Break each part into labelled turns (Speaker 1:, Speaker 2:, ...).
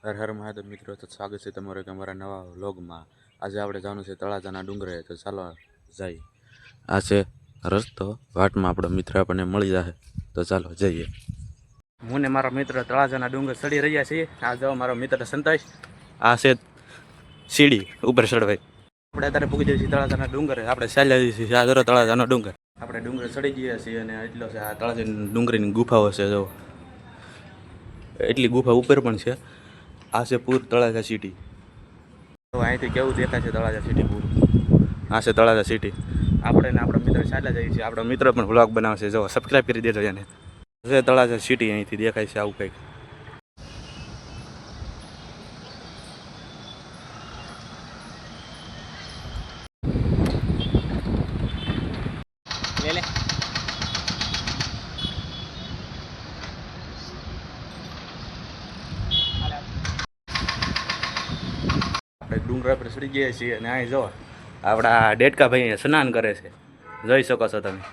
Speaker 1: હર હર મહાદેવ મિત્રો, તો સ્વાગત છે તમારું એક અમારા નવા વ્લોગમાં. આજે આપણે જવાનું છે તળાજાના ડુંગરે, તો ચાલો જઈએ. આ છે રસ્તો, વાટમાં આપણો મિત્ર આપણને મળી જાય, તો ચાલો જઈએ. હું ને મારો મિત્ર તળાજાના ડુંગર ચડી રહ્યા છીએ. આ જો મારો મિત્ર સંતોષ, આ છે સીડી ઉપર ચડવાય. આપણે અત્યારે પૂગી જઈએ છીએ તળાજાના ડુંગરે. આપણે ચાલ્યા જઈએ છીએ આ જરો તળાજાનો ડુંગર. આપણે ડુંગર ચડી ગયા છીએ અને એટલો છે આ તળાજાની ડુંગરીની ગુફાઓ છે. જો એટલી ગુફા ઉપર પણ છે. આ છે પૂર તળાજા સિટી. તો અહીંથી કેવું દેખાય છે તળાજા સિટી પૂર. આ છે તળાજા સિટી. આપણે ને આપણા મિત્ર ચાલ્યા જઈએ છીએ. આપણો મિત્ર પણ વ્લોગ બનાવશે. જો સબસ્ક્રાઈબ કરી દેજો એને. છે તળાજા સિટી અહીંથી દેખાય છે આવું કંઈક. ડુંગરા પર ચડી ગયા છીએ અને અહીં જો આપણા ડેટકા ભાઈ સ્નાન કરે છે, જોઈ શકો છો તમે.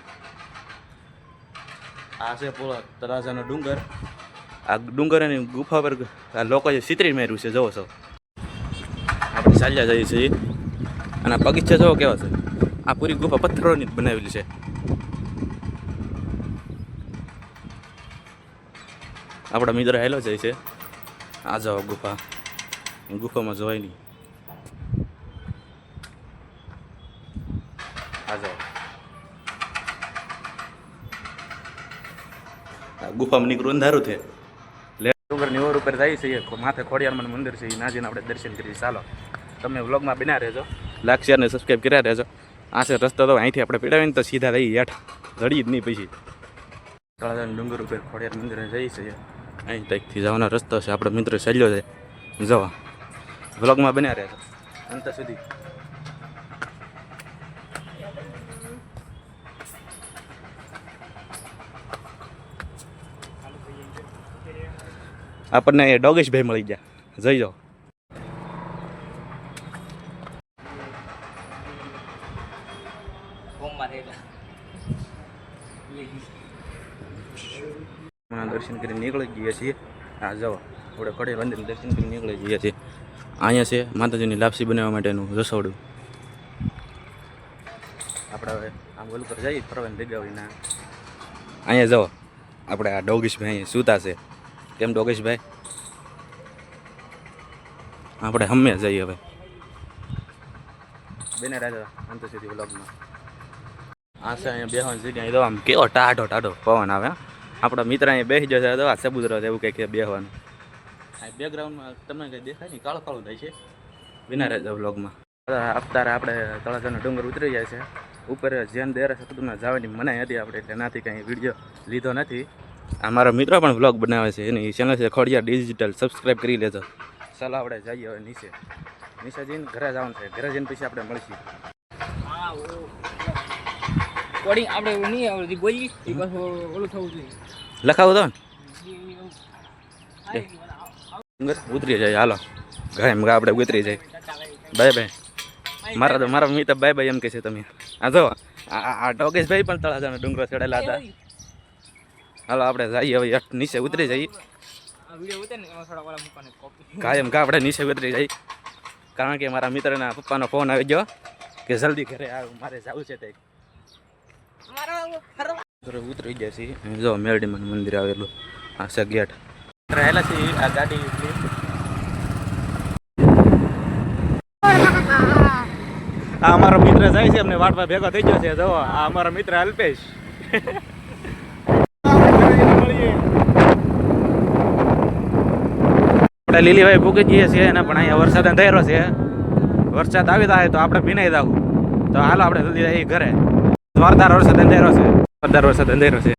Speaker 1: આ છે પૂરો તળાજાનો ડુંગર. આ ડુંગરની ગુફા પર આ લોકોએ ચિત્રી માર્યું છે, જોવો છો. આપણે ચાલ્યા જઈએ છીએ અને બગીચા જોવો કેવો છે. આ પૂરી ગુફા પથ્થરોની જ બનાવેલી છે. આપણા મિત્ર હેલો જાય છે. આ જાઓ ગુફા, ગુફામાં જોવાય નહીં. ગુફામાં નીકળવું અંધારું છે. ડુંગરની ઓર ઉપર જઈએ છીએ. માથે ખોડિયારમાં મંદિર છે, એ નાજીને આપણે દર્શન કરીએ. ચાલો તમે વ્લોગમાં બન્યા રહેજો, લાઈક શેર ને સબસ્ક્રાઈબ કર્યા રહેજો. આ છે રસ્તો. તો અહીંથી આપણે પીડાવીને તો સીધા રહી હેઠ જડીએ જ નહીં. પછી તળાજાના ડુંગર ઉપર ખોડિયાર મંદિરે જઈએ છીએ. અહીં તકથી જવાનો રસ્તો છે. આપણો મિત્ર ચાલ્યો છે. જવા વ્લોગમાં બન્યા રહેજો અંત સુધી. આપણને ડોગેશભાઈ મળી ગયા, જઈ જાઓ. દર્શન કરીને નીકળી ગયા છીએ. હા જાઓ, આપણે ખોડિયાર મંદિર દર્શન કરીને નીકળી ગયા છીએ. અહીંયા છે માતાજીની લાપસી બનાવવા માટેનું રસોડું. આપણે હવે આમ ઓલ પર જઈએ ફરવાની જગ્યા હોય. અહીંયા જાઓ, આપણે આ ડોગેશભાઈ અહીંયા સૂતા છે. કેમ ડોગેશભાઈ? આપણે હમે જઈએ હવે. બેને રાજા અંત સુધી વ્લોગમાં. આ છે અહીંયા બેહવાની જગ્યા. તો આમ કેવો ટાઢો ટાઢો પવન આવે. આપણા મિત્ર અહીંયા બેસી જશે તો આ સબુદ્ર એવું કંઈક બેહવાનું. આ બેકગ્રાઉન્ડમાં તમને કંઈ દેખાય નહીં, કાળું કાળું થાય છે. બેના રાજા વ્લોગમાં. અત્યારે આપણે તળાજાનો ડુંગર ઉતરી જાય છે. ઉપર જેન દેરા સતુમાં જવાની મનાઈ હતી આપણે, એટલે નાથી કંઈ વિડીયો લીધો નથી. આ મારો મિત્ર પણ વ્લોગ બનાવે છે, એની ચેનલ છે ખોડિયાર ડિજિટલ, સબસ્ક્રાઈબ કરી લેજો. ચાલો આપણે જઈએ હવે નીચે. નીચે જઈને ઘરે જવાનું છે. ઘરે જઈને પછી આપણે મળીશું. લખાવું તો ડુંગર ઉતરી જાય. હાલો ઘરે આપણે ઉતરી જાય. Bye bye. મારા મિત્ર બાય બાય એમ કે છે તમે. આ જો આ ડોગેશભાઈ પણ તળાજાનો ડુંગરો ચડેલા હતા. હાલો આપણે જઈએ હવે નીચે ઉતરી જઈએ. કાયમ આપણે નીચે ઉતરી જઈએ, કારણ કે મારા મિત્રના પપ્પાનો ફોન આવી ગયો કે જલ્દી ઘરે આવ, મારે જવું છે. તે ઉતરી ગયા છીએ. જો મેરડીમાં મંદિર આવેલું. આ છે ગેટ. રહેલા છે આ ગાડી. આ અમારો મિત્ર જાય છે, અમને વાટવા ભેગો થઈ ગયો છે. જો આ અમારો મિત્ર અલ્પેશ. આપણે લીલીભાઈ ભૂકી જઈએ છીએ અને પણ અહીંયા વરસાદ અંધારો છે. વરસાદ આવી જાય તો આપણે ભીનાઈ જવું. તો હાલો આપણે જલ્દી જઈએ ઘરે. જોરદાર વરસાદ અંધારો છે. જોરદાર વરસાદ અંધારો છે.